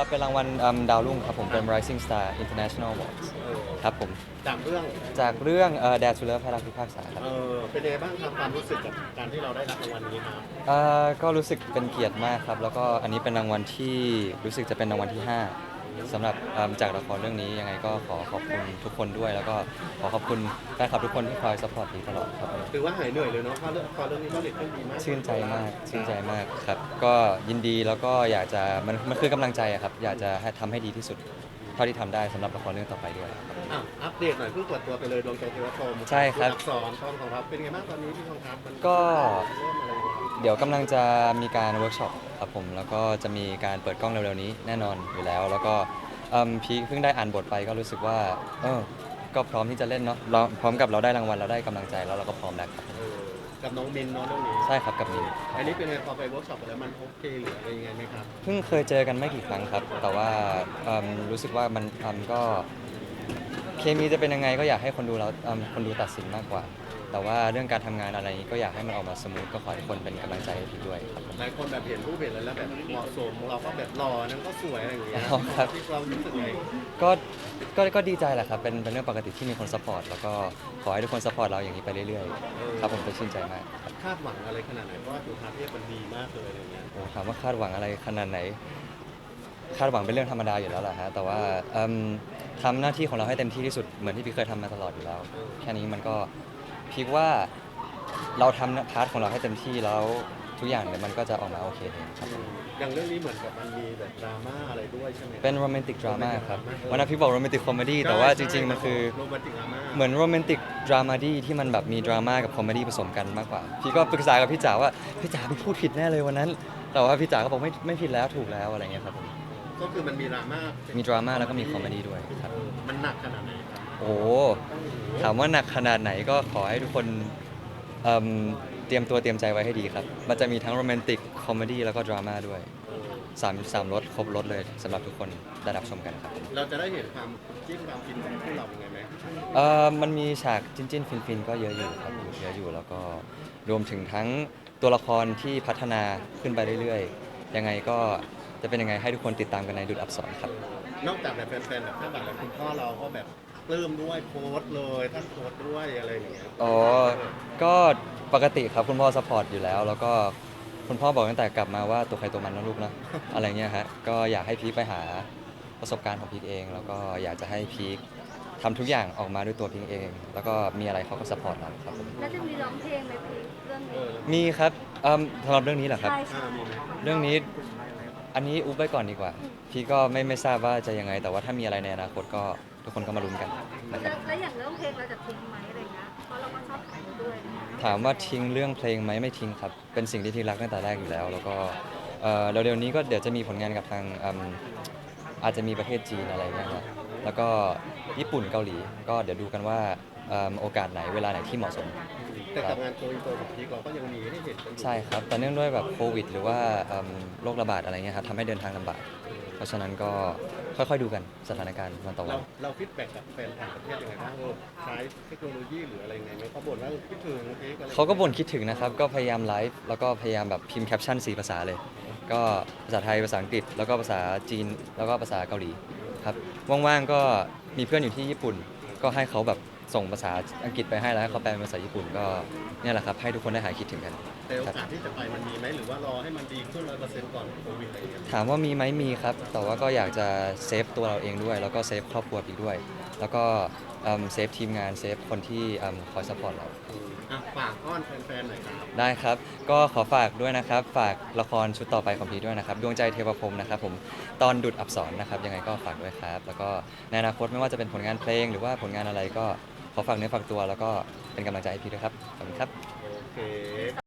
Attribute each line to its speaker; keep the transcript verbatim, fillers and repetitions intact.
Speaker 1: เป็นรางวัลอืมดาวรุ่งครับผมเป็น Rising Star International Awards
Speaker 2: เออ
Speaker 1: ครับผม
Speaker 2: จากเรื่อง
Speaker 1: จากเรื่องเอ่อ Dare to Love พระรักพิพากษาครับ
Speaker 2: เออเป็นยังไงบ้างครับความรู้สึกกับการที่เราได้รับรางวัลนี้ครับ
Speaker 1: เอ่อก็รู้สึกเป็นเกียรติมากครับแล้วก็อันนี้เป็นรางวัลที่รู้สึกจะเป็นรางวัลที่ห้าสำหรับอืมจากละครเรื่องนี้ยังไงก็ขอขอบคุณทุกคนด้วยแล้วก็ขอขอบคุณแฟนคลับทุกคนที่คอยซัพพอร์ตดีตลอดครับ
Speaker 2: ถือว่าหายเหนื่อยเลยเนาะเพราะเรื่องพอเรื่องนี้ก็เด็ดขึ้นดีมาก
Speaker 1: ชื่นใจมากชื่นใจมากครับก็ยินดีแล้วก็อยากจะมันมันคือกำลังใจอะครับอยากจะให้ทำให้ดีที่สุดเท่าที่ทำได้สำหรับละครเรื่องต่อไปด้วยครับ
Speaker 2: อ่ะอัปเดตหน่อยเพิ่งเปิดตัวไปเลยดวงใจเทวพรหม
Speaker 1: ใช่ครับ
Speaker 2: อักษรทองของเราเป็นไงบ้างตอนนี้พี่ทองครับมัน
Speaker 1: ก็
Speaker 2: เริ่มอะไรอย่างเงี้ย
Speaker 1: เดี๋ยวกำลังจะมีการเวิร์กช็อปครับผมแล้วก็จะมีการเปิดกล้องเร็วๆนี้แน่นอนอยู่แล้ว แล้วก็เอิ่มพีคเพิ่งได้อ่านบทไปก็รู้สึกว่าเออก็พร้อมที่จะเล่นเนาะเราพร้อมกับเราได้รางวัลเราได้กำลังใจแล้วเราก็พร้อมแล้วครับ
Speaker 2: เออกับน้องมินเนาะเรื่องนี้
Speaker 1: ใช่ครับกับมิน
Speaker 2: อันนี้เป็นไงพอไปเวิร์กช็อปไปแล้วมันโอเคหรืออะไรยังไงไหมครับ
Speaker 1: เพิ่งเคยเจอกันไม่กี่ครั้งครับ แต่ว่าเอิ่มรู้สึกว่ามันทำก็เคมีจะเป็นยังไงก็อยากให้คนดูเราเอิ่มคนดูตัดสินมากกว่า แต่ว่าเรื่องการทำงานอะไรนี้ก็อยากให้มันออกมาสมูทก็ขอให้ทุกคนเป็นกำลังใจให้พี่ด้วยครับผม
Speaker 2: หลายคนแบบเห็นรูปเห็นอะไรแล้วแบบเหมาะสมเราก็แบบหล่อนั่นก็สวยอะไรอย่างเงี้ย
Speaker 1: อ๋อครับ
Speaker 2: ที่เรารู้สึกไง
Speaker 1: ก็ก็ก็ดีใจแหละครับเป็นเป็นเรื่องปกติที่มีคนซัพพอร์ตแล้วก็ขอให้ทุกคนซัพพอร์ตเราอย่างนี้ไปเรื่อยๆครับผมจะชื่นใจมากครับ
Speaker 2: คาดหวังอะไรขนาดไหนเพราะว่าจุฬาเทพมันดีมากเลยอะไรอย่างเงี้ย
Speaker 1: โอ้ถามว่าคาดหวังอะไรขนาดไหนคาดหวังเป็นเรื่องธรรมดาอยู่แล้วแหละฮะแต่ว่าเอิ่มทำหน้าที่ของเราให้เต็มที่ที่สุดเหมือนที่พี่เคยทำมาตลอดอยู่แล้ว แค่นี้มันก็พี่ว่าเราทำพาร์ทของเราให้เต็มที่แล้วทุกอย่างเนี่ยมันก็จะออกมาโอเคเองครับผม
Speaker 2: อย่างเรื่องนี้เหมือนกับมันมีแบบดราม่าอะไรด้วยใช่ไหม
Speaker 1: เป็นโรแมนติกดราม่าครับวันนั้นพี่บอกโรแมนติกคอมเมดี้แต่ว่าจริงๆมันคือ
Speaker 2: โรแมนติกดราม่า
Speaker 1: เหมือนโรแมนติกดรามาดี้ที่มันแบบมีดราม่ากับคอมเมดี้ผสมกันมากกว่า พี่ก็ปรึกษากับพี่จ๋าว่าพี่จ๋าพี่พูดผิดแน่เลยวันนั้น แต่ว่าพี่จ๋าก็บอกไม่ไม่ผิดแล้วถูกแล้วอะไรเงี้ยครับผม
Speaker 2: ก็คือมันมีดราม่า
Speaker 1: มีดราม่าแล้วก็มีคอมเมดี้ด้วยครับ
Speaker 2: เออมันหนักขนาดไหนครับ
Speaker 1: โอ้โหถามว่าหนักขนาดไหนก็ขอให้ทุกคนเอิ่มเตรียมตัวเตรียมใจไว้ให้ดีครับ มันจะมีทั้งโรแมนติกคอมเมดี้แล้วก็ดราม่าด้วย
Speaker 2: เออ
Speaker 1: สามสามรสครบรสเลยสำหรับทุกคนได้รับชมกันครับ
Speaker 2: เราจะได้เห็นความจิ้นความฟินของพวกเรายังไงไหม
Speaker 1: เอ่อมันมีฉากจิ้นจิ้นฟินฟินๆก็เยอะอยู่ครับเยอะอยู่แล้วก็รวมถึงทั้งตัวละครที่พัฒนาขึ้นไปเรื่อยๆ ยังไงก็จะเป็นยังไงให้ทุกคนติดตามกันในดุจอักษรครับ
Speaker 2: นอกจากแบบแฟนๆแบบคาดหวังแล้วคุณพ่อเราก็แบบปลื้มด้วยโพสต์เลยท่านโพสต์ด้วยอะไรอย่างเงี้ย
Speaker 1: อ๋อ ก็ปกติครับคุณพ่อสปอร์ตอยู่แล้ว แล้วก็คุณพ่อบอกตั้งแต่กลับมาว่าตัวใครตัวมันนะลูกนะ อะไรเงี้ยฮะก็อยากให้พีคไปหาประสบการณ์ของพีคเอง แล้วก็อยากจะให้พีคทำทุกอย่างออกมาด้วยตัวพีคเอง แล้วก็มีอะไรเขาก็สปอร์ตเราครับผม
Speaker 3: แล้วจะมีร้องเพลงไหมพี่เรื่อง
Speaker 2: เอ
Speaker 3: นี้
Speaker 2: อ
Speaker 1: มีครับเอิ่มสำหรับเรื่องนี้เหรอครับ
Speaker 3: ใช่
Speaker 2: อ่า
Speaker 3: ใช่
Speaker 2: มีไหม
Speaker 1: เรื่องนี้อันนี้อุ๊บไว้ก่อนดีกว่า พี่ก็ไม่ไม่ทราบว่าจะยังไง แต่ว่าถ้ามีอะไรในอนาคตก็ทุกคนก็มาลุ้นกันนะค
Speaker 3: แล้
Speaker 1: รั
Speaker 3: ว
Speaker 1: บ
Speaker 3: แล้วอย่างเรื่องเพลงเราจะทิ้งไหมอะไรเงี้ยเพราะเราก็ชอบขายด้วย
Speaker 1: ถามว่าทิ้งเรื่องเพลงไหมไม่ทิ้งครับ เป็นสิ่งที่พี่รักตั้งแต่แรกอยู่แล้ว แล้วก็เอ่อเร็วๆนี้ก็เดี๋ยวจะมีผลงานกับทางอืมอาจจะมีประเทศจีนอะไรเงี้ยครับแล้วก็ญี่ปุ่นเกาหลี ก็เดี๋ยวดูกันว่าเอิ่มโอกาสไหนเวลาไหนที่เหมาะสม
Speaker 2: แต่กับงานโกอินเตอร์ของพีคเราก็ยังมีให้เห็นกันอยู่
Speaker 1: ใช่ครับ แต่เนื่องด้วยแบบโควิด หรือว่าเอิ่มโรคระบาดอะไรเงี้ยครับทำให้เดินทางลำบาก เพราะฉะนั้นก็ค่อยๆดูกันสถานการณ์วันต่อวั
Speaker 2: เรา
Speaker 1: น
Speaker 2: เราฟีดแบ็กกับแฟนต่างประเทศยังไงบ้างเออใช้เทคโนโลยีหรืออะไรยังไงไหมเขาบ่นว่าคิดถึงพีคอะไร
Speaker 1: เขาก็บ่นคิดถึงนะครับ ก็พยายามไลฟ์ แล้วก็พยายามแบบพิมพ์แคปชั่นสี่ภาษาเลย ก็ภาษาไทย ภาษาอังกฤษ แล้วก็ภาษาจีน แล้วก็ภาษาเกาหลีครับ ว่างๆ ก็มีเพื่อนอยู่ที่ญี่ปุ่น ก็ให้เขาแบบส่งภาษาอังกฤษไปให้แล้วให้เขาแปลเป็นภาษาญี่ปุ่น ก็เนี่ยแหละครับ ให้ทุกคนได้หายคิดถึงกัน
Speaker 2: แต่โอ
Speaker 1: ครับ
Speaker 2: กาสที่จะไปมันมีไหมหรือว่ารอให้มันดีขึ้นร้อยเปอร์เซ็นต์ก่อนโควิดอะไรอย่างเงี้ย
Speaker 1: ถามว่ามีไหมมีครับ แต่ว่าก็อยากจะเซฟตัวเราเองด้วย แล้วก็เซฟครอบครัวอีกด้วย แล้วก็เอิ่มเซฟทีมงาน เซฟคนที่เอิ่มคอยซัพพอร์ตเรา
Speaker 2: อืมอ่ะฝากอ้อนแฟนๆหน่อยครับ
Speaker 1: ได้ครับ ก็ขอฝากด้วยนะครับ ฝากละครชุดต่อไปของพีด้วยนะครับ ดวงใจเทวพรหมนะครับผม ตอนดุดอับสรนะครับ ยังไงก็ฝากด้วยครับ แล้วก็ในอนาคตไม่ว่าจะเป็นผลงานเพลง หรือว่าผลงานอะไรก็ขอฝากเนื้อฝากตัว แล้วก็เป็นกำลังใจให้พีด้วยครับ ขอบคุณครับ
Speaker 2: โอเค